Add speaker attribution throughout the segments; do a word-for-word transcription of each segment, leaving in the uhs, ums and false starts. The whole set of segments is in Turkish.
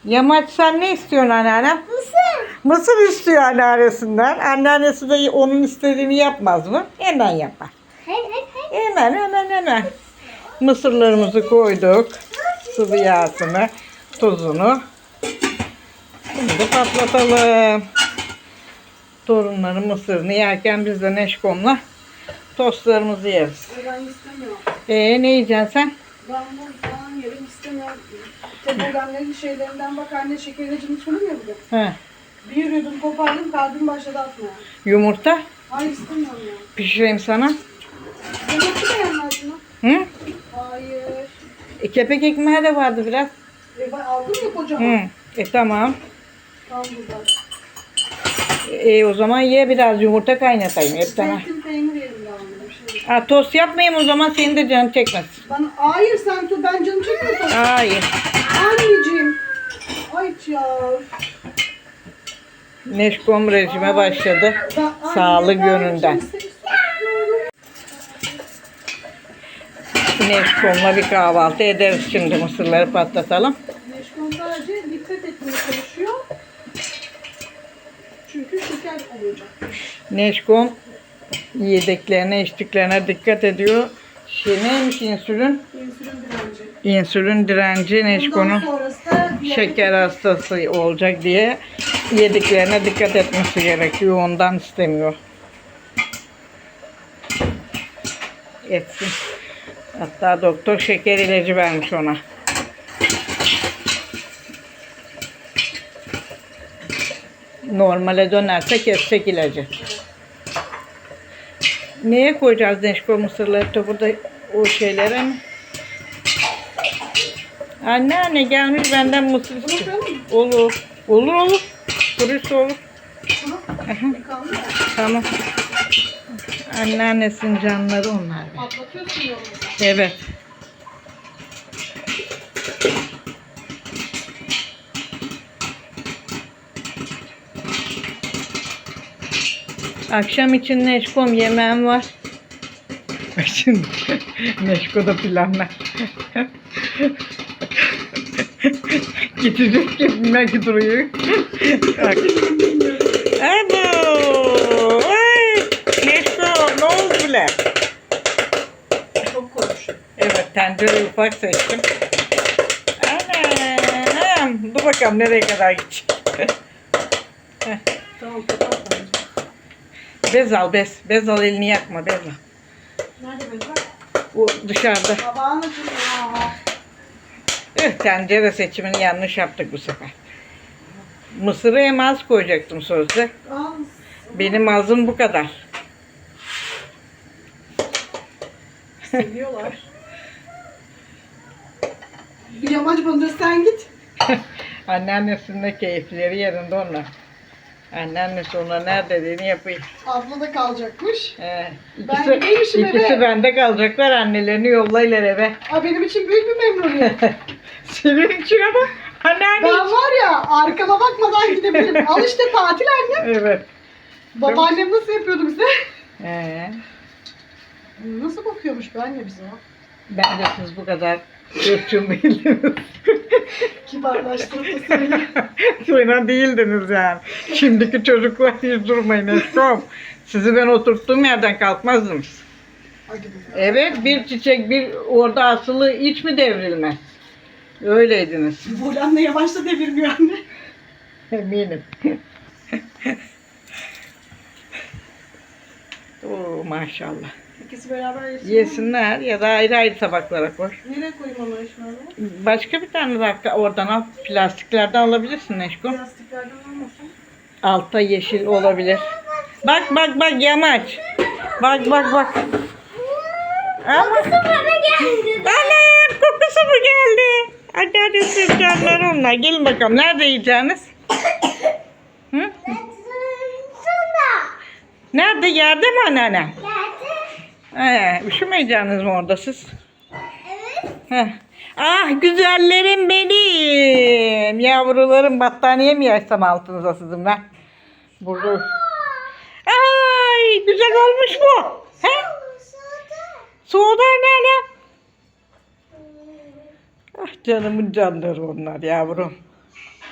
Speaker 1: Yamaç sen ne istiyorsun anneanne?
Speaker 2: Mısır.
Speaker 1: Mısır istiyor anneannesinden. Anneannesi de onun istediğini yapmaz mı? Hemen yapar.
Speaker 2: Hayır hayır hayır.
Speaker 1: Hemen hemen hemen. Mısırlarımızı koyduk. Sıvı yağsını, tuzunu. Şimdi patlatalım. Torunların mısırını yerken biz de Neşkom'la tostlarımızı yeriz.
Speaker 3: Ben istemiyorum.
Speaker 1: Ee ne yiyeceksin sen?
Speaker 3: Ben bu falan yerim istemiyorum. Tebogamların şeylerinden bak anne şekerlecini sunum ya bir de.
Speaker 1: He.
Speaker 3: Bir yürüdüm kopardım kalbim başladı atmaya.
Speaker 1: Yumurta
Speaker 3: Hayır istemiyorum ya.
Speaker 1: pişireyim sana.
Speaker 3: Yemekli de yenmez mi?
Speaker 1: Hı?
Speaker 3: Hayır.
Speaker 1: E, kepek ekmeği de vardı biraz.
Speaker 3: E, ben aldım ya kocaman.
Speaker 1: Hı. E tamam.
Speaker 3: Tam buradan.
Speaker 1: E, o zaman ye biraz yumurta kaynatayım. Hep sana.
Speaker 3: Zeytin peynir yerim ya anne. Bir şey.
Speaker 1: Ha, tost yapmayayım o zaman senin de canın çekmez.
Speaker 3: Ben, hayır sen tu ben canım çekmiyor.
Speaker 1: Hayır.
Speaker 3: Anneciğim. Ay ya.
Speaker 1: Neşkom rejime başladı.
Speaker 3: Ben- anne,
Speaker 1: Sağlık
Speaker 3: ben
Speaker 1: yönünden.
Speaker 3: kimse istemiyorum.
Speaker 1: Neşkom'la bir kahvaltı ederiz şimdi. Mısırları patlatalım.
Speaker 3: Neşkon sadece dikkat etmeye çalışıyor. Çünkü şeker olacak.
Speaker 1: Neşkom yediklerine içtiklerine dikkat ediyor. Şey neymiş insülin?
Speaker 3: İnsülin direnci.
Speaker 1: İnsülin direnci
Speaker 3: Bundan
Speaker 1: Neşkom'un
Speaker 3: sonrası da diyabet-
Speaker 1: şeker hastası olacak diye yediklerine dikkat etmesi gerekiyor. Ondan istemiyor. Etsin. Hatta doktor şeker ilacı vermiş ona. Normale dönerse kesecek ilacı. Neye koyacağız Neşko mısırları da burada o şeylere mi? Anneanne gelmiş benden mısır istiyor. Olur. Olur olur. Kurusu olur.
Speaker 3: Yıkandı ya.
Speaker 1: Tamam. Anneannesinin canları onlar. be.
Speaker 3: Patlatıyorsun yolunu.
Speaker 1: Evet. Akşam için Neşkom yemeğim var. Şimdi Neşko'da planlar. Gidecek gitmek duruyor. Bak. Abo! Ay! Neşko ne oldu bile?
Speaker 3: Çok koymuş.
Speaker 1: Evet tencereyi ufak seçtim. Anam! Dur bakalım nereye kadar gidecek. Heh.
Speaker 3: Tamam kapat bence.
Speaker 1: Bez al bez. Bez al elini yakma bez al.
Speaker 3: Nerede benim?
Speaker 1: O dışarıda.
Speaker 3: Babağın acıyor ya.
Speaker 1: Eh, tencere seçimini yanlış yaptık bu sefer. Mısırı hem az koyacaktım sözde.
Speaker 3: Al.
Speaker 1: Benim azım bu kadar.
Speaker 3: Seviyorlar. Bir yamaç bandır sen git.
Speaker 1: Anneannesinin de keyifleri yerinde onlar. Anneannesi ona ne dediğini yapıyor.
Speaker 3: Abla da kalacakmış.
Speaker 1: Ee,
Speaker 3: Ben
Speaker 1: ikisi,
Speaker 3: gideymişim
Speaker 1: ikisi
Speaker 3: eve.
Speaker 1: bende kalacaklar. Annelerini yollayırlar eve.
Speaker 3: Aa, benim için büyük bir memnuniyet.
Speaker 1: Senin için ama anneanne.
Speaker 3: Ben var ya arkama bakmadan gidebilirim. Al işte tatil anne.
Speaker 1: Evet.
Speaker 3: Babaannem nasıl yapıyordu bize?
Speaker 1: Ee,
Speaker 3: Nasıl bakıyormuş be anne bize o?
Speaker 1: bence siz bu kadar ırkçıl değildiniz.
Speaker 3: Kibarlaştırıp da söyle.
Speaker 1: Sonra değildiniz yani. Şimdiki çocuklar hiç durmayın Eskom. Sizi ben oturttuğum yerden kalkmazdınız.
Speaker 3: Hadi be.
Speaker 1: Evet bir çiçek bir orada asılı hiç mi devrilmez? Öyleydiniz.
Speaker 3: Bolanla yavaş da devirmiyor anne.
Speaker 1: Eminim. Oo maşallah.
Speaker 3: İkisi beraber yesin.
Speaker 1: Yesinler ya da ayrı ayrı tabaklara koy.
Speaker 3: Nereye koyayım onu eşmerle?
Speaker 1: Başka bir tane daha oradan al. Plastiklerden alabilirsin Neşko.
Speaker 3: Plastiklerden olmasın.
Speaker 1: Altta yeşil olabilir. Bak bak bak yamaç. Bak bak bak. Ama
Speaker 2: Bana geldi.
Speaker 1: annem kokusu mu geldi? Anneannesi canlar onlar. Gelin bakalım. Nerede yiyeceğiniz? Hı?
Speaker 2: Sonra.
Speaker 1: Nerede? Yerde mi anneanne?
Speaker 2: Geldi.
Speaker 1: Ee, üşümeyeceğiniz mi orada siz?
Speaker 2: Evet.
Speaker 1: Heh. Ah güzellerim benim. Yavrularım battaniye mi yaysam altınıza sizin ben? Burada. Ay güzel olmuş bu. He? Soğudu anneanne. Ah canımın canları onlar yavrum.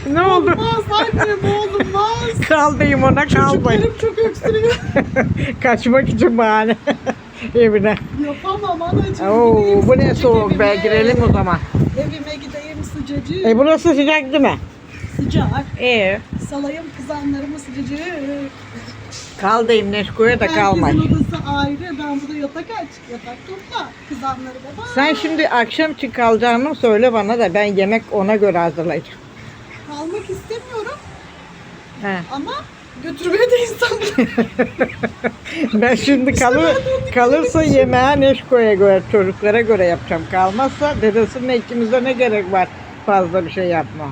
Speaker 1: Ne oldu?
Speaker 3: Olmaz annem olmaz.
Speaker 1: Kaldayım ona kalmayın.
Speaker 3: Çocuklarım çok öksürüyor.
Speaker 1: Kaçmak için bahane. Evine.
Speaker 3: Yapamam anacığım.
Speaker 1: Oo,
Speaker 3: Gideyim
Speaker 1: bu ne
Speaker 3: sıcacık
Speaker 1: soğuk be,
Speaker 3: evime.
Speaker 1: girelim o zaman.
Speaker 3: Evime gideyim sıcacık.
Speaker 1: E burası sıcak değil mi?
Speaker 3: Sıcak.
Speaker 1: Ee,
Speaker 3: Salayım kızanlarımı sıcacık.
Speaker 1: kaldayım Neşko'ya da kalmay.
Speaker 3: Herkesin odası ayrı. Ben burada yatak aç. Yatak topla. Kızanları da var.
Speaker 1: Sen şimdi akşam için kalacağını söyle bana da ben yemek ona göre hazırlayacağım.
Speaker 3: Kalmak istemiyorum
Speaker 1: He.
Speaker 3: ama götürmeye de İstanbul'a.
Speaker 1: Ben şimdi kalır, kalırsa yemeğe Neşko'ya göre, çocuklara göre yapacağım. Kalmazsa dedesinin ikimize ne gerek var fazla bir şey yapma.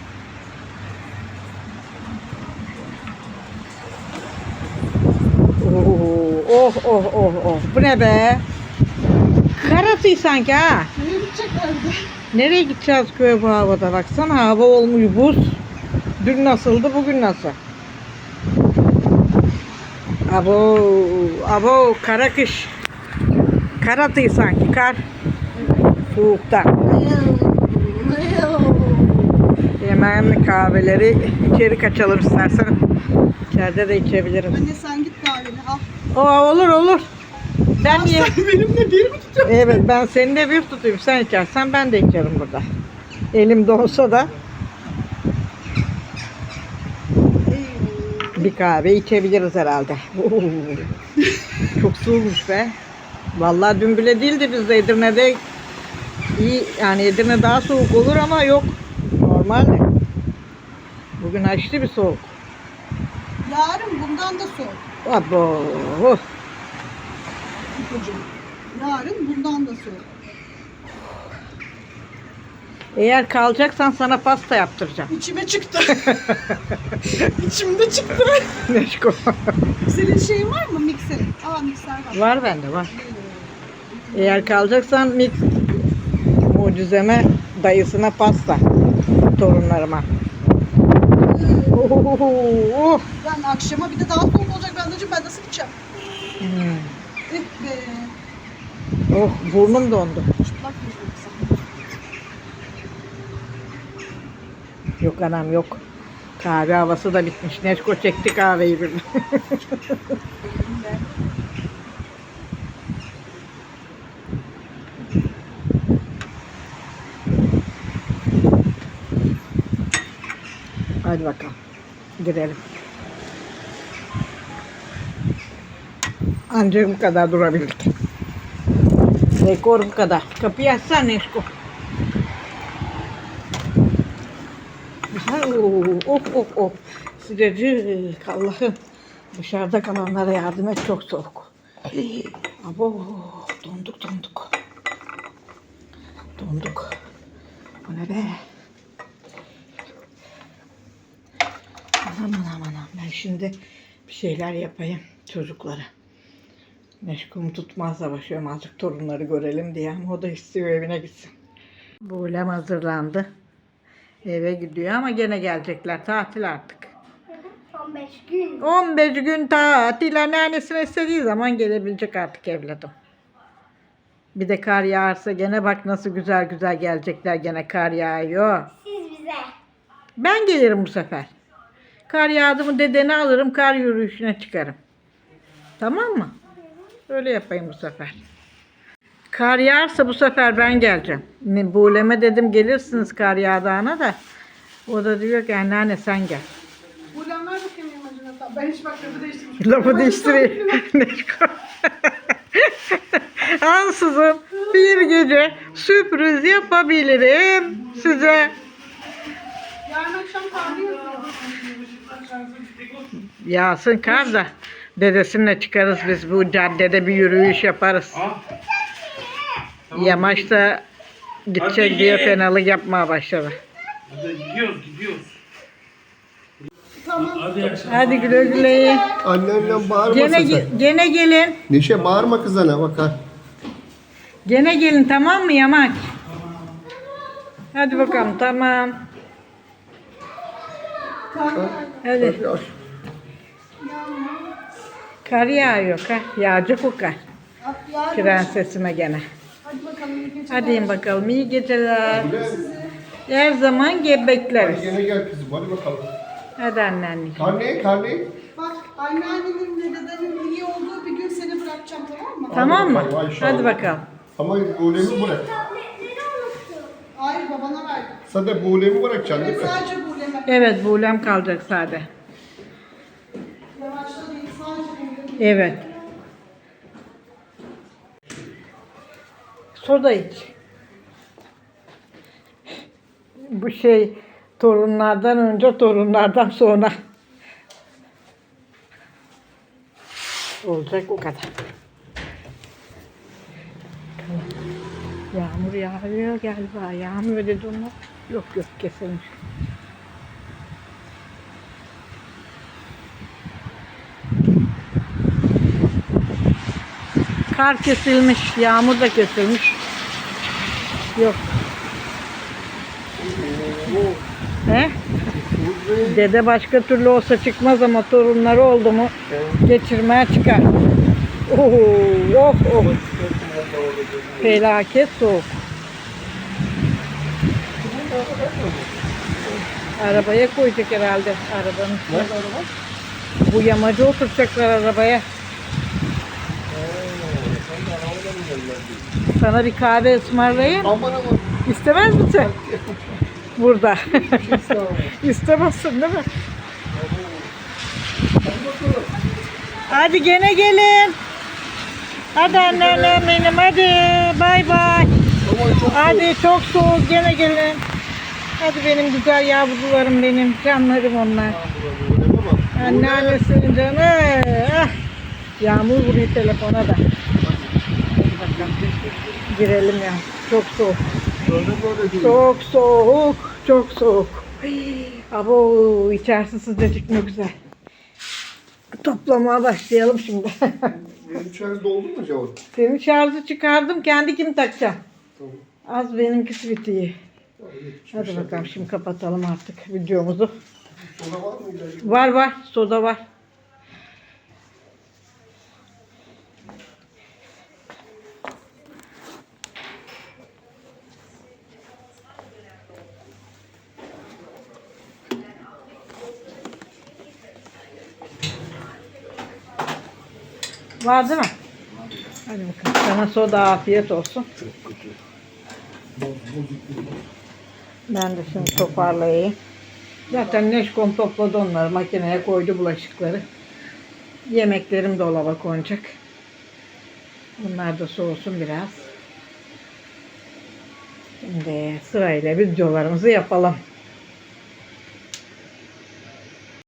Speaker 1: Oo, oh oh oh oh. Bu ne be? Karası sanki ha.
Speaker 3: Nereye gideceklerdi?
Speaker 1: Nereye gideceğiz köye bu havada? Baksana hava olmuş buz. Dün nasıldı, bugün nasıl? Abo, abo kara kış. Karatı sanki kar. Soğukta. Yemeğin kahveleri içeri kaçalım istersen. İçeride de içebilirim.
Speaker 3: Anne sen git kahveni al.
Speaker 1: Oo, olur olur. Ben niye?
Speaker 3: Sen benimle bir mi tutuyorsun?
Speaker 1: Evet, ben seni de bir tutayım. Sen içersen ben de içerim burada. Elim donsa da bir kahve içebiliriz herhalde. Oo, çok soğukmuş be. Vallahi dün bile değildi, biz de Edirne'de iyi, yani Edirne daha soğuk olur ama yok. Normal. Bugün aşırı bir soğuk.
Speaker 3: Yarın bundan da soğuk.
Speaker 1: Abo.
Speaker 3: İpucu. Yarın bundan da soğuk.
Speaker 1: Eğer kalacaksan sana pasta yaptıracağım.
Speaker 3: İçime çıktı. İçimde çıktı.
Speaker 1: Neşko.
Speaker 3: Senin şeyin var mı mikserin? Aa mikser var.
Speaker 1: Var bende var. Eğer kalacaksan mix mucizeme dayısına pasta torunlarıma. Oh, oh.
Speaker 3: Yani akşama bir de daha soğuk olacak. Ben anneciğim ben nasıl gideceğim?
Speaker 1: Hmm.
Speaker 3: Eh be.
Speaker 1: Oh, burnum dondu.
Speaker 3: Çıplak yüzüm sen.
Speaker 1: Yok anam yok. Kahve havası da bitmiş. Neşko çekti kahveyi bir. Hadi bakalım. Girelim. Ancak bu kadar durabildik. Rekor bu kadar. Kapıyı açsana Neşko. Of of of. Sıcacık Allah'ım. Dışarıda kalanlara yardım et, çok soğuk. Abo, donduk donduk. Donduk. Bu ne be? Aman aman aman. Ben şimdi bir şeyler yapayım çocuklara. Meşgum tutmaz da başlıyorum azıcık torunları görelim diye, ama o da istiyor evine gitsin. Buğlem hazırlandı. Eve gidiyor ama gene gelecekler. Tatil artık.
Speaker 2: on beş gün.
Speaker 1: on beş gün tatil. Anneannesine istediği zaman gelebilecek artık evladım. Bir de kar yağarsa gene bak nasıl güzel güzel gelecekler. Gene kar yağıyor.
Speaker 2: Siz bize.
Speaker 1: Ben gelirim bu sefer. Kar yağdı mı dedeni alırım, kar yürüyüşüne çıkarım. Tamam mı? Öyle yapayım bu sefer. Kar yağarsa bu sefer ben geleceğim. Buğleme dedim gelirsiniz kar yağdığına da. O da diyor ki anneanne sen gel.
Speaker 3: Buradan ver bakayım imajına. Ben hiç bak lafı değiştirmiş.
Speaker 1: Lafı değiştireyim. Ansızın bir gece sürpriz yapabilirim size.
Speaker 3: Yarın akşam kahve yazıyor.
Speaker 1: Yağsın kar da dedesinle çıkarız biz, bu caddede bir yürüyüş yaparız. Yamaçta gidecek diye fenalık yapmaya başladı.
Speaker 4: Hadi gidiyoruz gidiyoruz.
Speaker 3: Tamam.
Speaker 4: Hadi akşam.
Speaker 1: Hadi güle güle.
Speaker 5: Annenle bağırma
Speaker 1: Gene,
Speaker 5: sen.
Speaker 1: ge- gene gelin.
Speaker 5: Neşe bağırma kızana bakar.
Speaker 1: Gene gelin, tamam mı Yamaç? Hadi bakalım, tamam. Hadi.
Speaker 5: Yavaş.
Speaker 1: Kar yağıyor, kar. Yağacak o kar.
Speaker 3: Yarın.
Speaker 1: Prensesime gene.
Speaker 3: Hadi bakalım. iyi geceler.
Speaker 1: Hadi in bakalım, iyi geceler. Her zaman
Speaker 5: Hadi
Speaker 1: gebekleriz.
Speaker 5: gene gel kızım hadi bakalım.
Speaker 1: Hadi anneanne.
Speaker 5: Karne karne.
Speaker 3: Bak anneannenin ve dedenin iyi olduğu bir gün seni bırakacağım, tamam mı?
Speaker 1: Tamam mı?
Speaker 5: bakalım, ay inşallah.
Speaker 1: Hadi bakalım.
Speaker 5: Ama buğulemi bırak.
Speaker 2: Tabletleri unuttum.
Speaker 3: Hayır, babana verdim.
Speaker 5: Sen de buğulemi bırakacaksın değil
Speaker 3: Evet,
Speaker 5: mi?
Speaker 3: sadece buleme.
Speaker 1: Evet, buğulem kalacak sade.
Speaker 3: Yavaşla değil, sadece buleme.
Speaker 1: Evet. Soda iç. Bu şey torunlardan önce, torunlardan sonra. Olacak o kadar. Yağmur yağıyor galiba. Yağmur dedi onlar. Yok yok kesilmiş. Kar kesilmiş, yağmur da kesilmiş. Yok. He? Dede başka türlü olsa çıkmaz ama torunları oldu mu geçirmeye çıkar. Oh, oh, oh. Felaket soğuk. Arabaya koyacak herhalde arabanın üstüne.
Speaker 5: Nerede araba?
Speaker 1: Bu yamacı oturacaklar arabaya. Sana bir kahve ısmarlayayım.
Speaker 5: Aman aman.
Speaker 1: İstemez misin? Burada.
Speaker 5: Sağ ol.
Speaker 1: İstemezsin değil mi? Hadi gene gelin. Hadi anneannem benim hadi. Bay bay.
Speaker 5: Aman çok
Speaker 1: Hadi çok soğuk gene gelin. Hadi benim güzel yavrularım benim. Canlarım onlar.
Speaker 5: buğulemi bak.
Speaker 1: Anneannesinin canı. Ah. Yağmur vuruyor telefona da. Hadi bakalım. Girelim ya. Çok soğuk.
Speaker 5: Böyle böyle değil.
Speaker 1: Çok soğuk. Çok soğuk. Abo içerisi sıcacık ne güzel. Toplamaya başlayalım şimdi.
Speaker 5: Benim şarj doldu mu acaba?
Speaker 1: Senin şarjı çıkardım. Kendi kim takacağım?
Speaker 5: Tamam.
Speaker 1: Az benimkisi bitiyor. Hadi bakalım şimdi kapatalım artık videomuzu.
Speaker 5: Soda var mı? İlacı?
Speaker 1: Var var. Soda var. Var değil mi? Hadi bakalım. Sana soda afiyet olsun. Ben de şimdi toparlayayım. Zaten Neşkom topladı onları. Makineye koydu bulaşıkları. Yemeklerim dolaba konacak. Bunlar da soğusun biraz. Şimdi sırayla videolarımızı yapalım.